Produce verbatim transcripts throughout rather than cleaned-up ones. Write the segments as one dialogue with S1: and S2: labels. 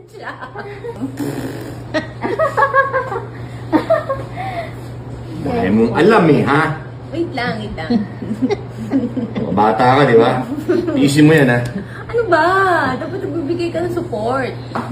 S1: siya.
S2: Dahil mong alam eh, ha?
S1: Wait lang, wait lang.
S2: Bata ka, di ba? Easy mo yan, ha?
S1: Ano ba? Dapat nagbibigay ka ng support.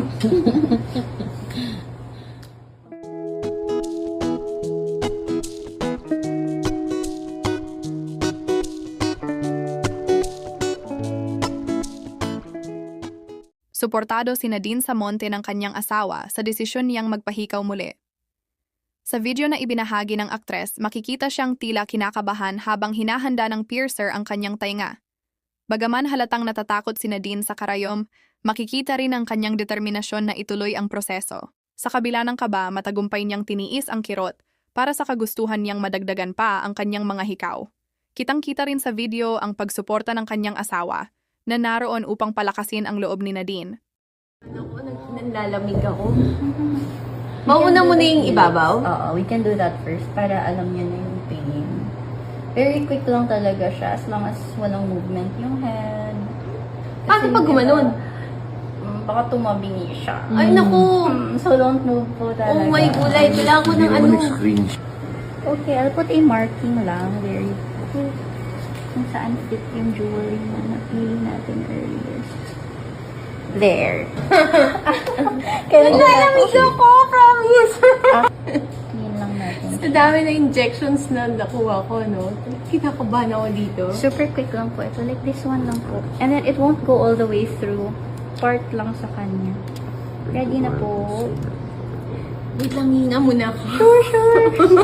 S3: Suportado si Nadine Samonte ng kanyang asawa sa desisyon niyang magpahikaw muli. Sa video na ibinahagi ng aktres, makikita siyang tila kinakabahan habang hinahanda ng piercer ang kanyang tainga. Bagaman halatang natatakot si Nadine sa karayom, makikita rin ang kanyang determinasyon na ituloy ang proseso. Sa kabila ng kaba, matagumpay niyang tiniis ang kirot para sa kagustuhan niyang madagdagan pa ang kanyang mga hikaw. Kitang-kita rin sa video ang pagsuporta ng kanyang asawa na naroon upang palakasin ang loob ni Nadine.
S1: Ako, nanlalamig ako. Mauna mo na yung ibabaw?
S4: Oo, we can do that first para alam niya na yung pain. Very quick lang talaga siya as long as walang movement yung head.
S1: Paano pag gumanon?
S4: Um, baka tumabingi siya.
S1: Ay, naku!
S4: Mm, so don't move po talaga.
S1: Oh my gulay, kailangan ko ng
S2: Hindi
S1: ano.
S2: mo nag-screen.
S4: Okay, I'll put a marking lang. Very quick. Kung saan fit yung jewelry na napili natin earlier. There. Kaya
S1: Nanlalamig ako, promise!
S4: Clean lang natin.
S1: Sa dami na injections na nakuha ko, no? Kinakabahan ako dito.
S4: Super quick lang po ito. Like this one lang po. And then it won't go all the way through. Part lang sa kanya. Ready na po.
S1: Wait lang, hinga muna ako.
S4: Sure, sure.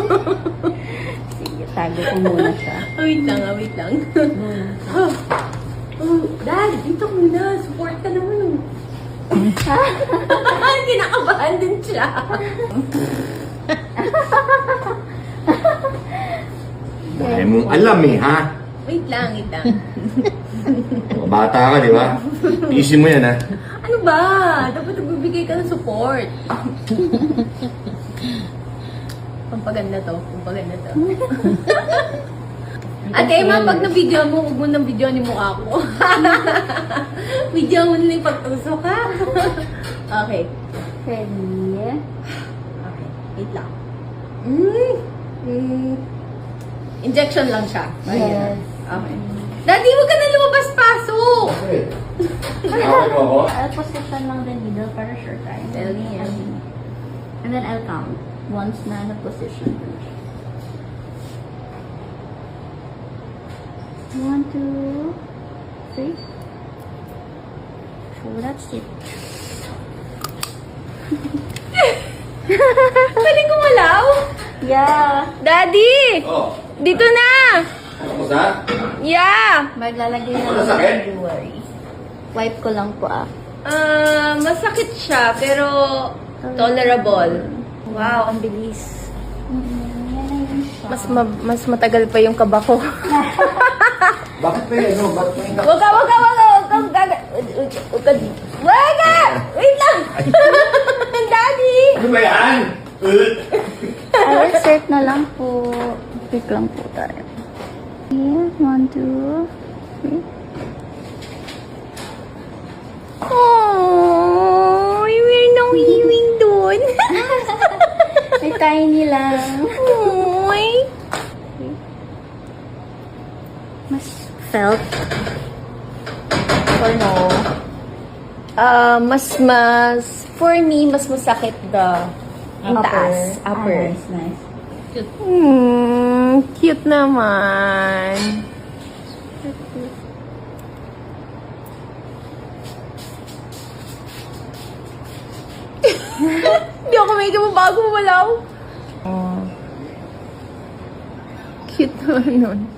S4: Sige, tago ko muna siya.
S1: Wait lang, ah, wait lang. oh, oh, Dad, dito muna. Support ka naman. Kinakabahan din siya.
S2: Dahil mong alam eh, ha?
S1: Wait lang, wait lang.
S2: Bata ka, di ba? Easy mo yan, ha?
S1: Ano ba? Dapat nagbibigay ka ng support. Pampaganda to. Pampaganda to. Ate, ma, pag na-video mo, huwag mo nang video ni mukha ko. Video mo na yung pagtusok, ha? Okay.
S4: Ready?
S1: Okay. Wait lang. Mm. Mm. Injection lang siya.
S4: Yes.
S1: Okay. Daddy, huwag ka na lumabas-pasok!
S2: Okay. Okay mo ako?
S4: I'll position lang the needle para sure time.
S1: Tell me, ah.
S4: And then I'll count once na na-position ko na siya. One, two, three. So that's it.
S1: Pwede kumalaw?
S4: Yeah!
S1: Daddy!
S2: Oh,
S1: Dito na!
S2: ako sa?
S1: Yeah!
S4: Maglalagay na
S2: Wala
S4: lang
S2: sakit?
S4: ng jewelry. Wipe ko lang po ah.
S1: Ah, masakit siya, pero tolerable. Wow.
S4: Ang bilis. Mm-hmm. Yan na yun siya.
S1: Mas ma- mas matagal pa yung kaba ko.
S2: Bakit pa yun? No? Bakit pa yun?
S1: Wag ka, wag ka, wag ka, wag ka, wag ka, wag ka, wag ka! Wait lang! Daddy!
S2: Ano ba yan?
S4: I'll insert na lang po. Pick lang po tayo. Here, one, two, three.
S1: Oh, we're no healing doon.
S4: May tiny lang.
S1: Oy.
S4: Mas felt.
S1: Or no? Ah, mas, mas, for me, mas masakit the, yung taas, upper.
S4: Ah, nice, nice.
S1: Hmm, cute naman. Hindi ako may bago walaw. Oh. Cute naman nun.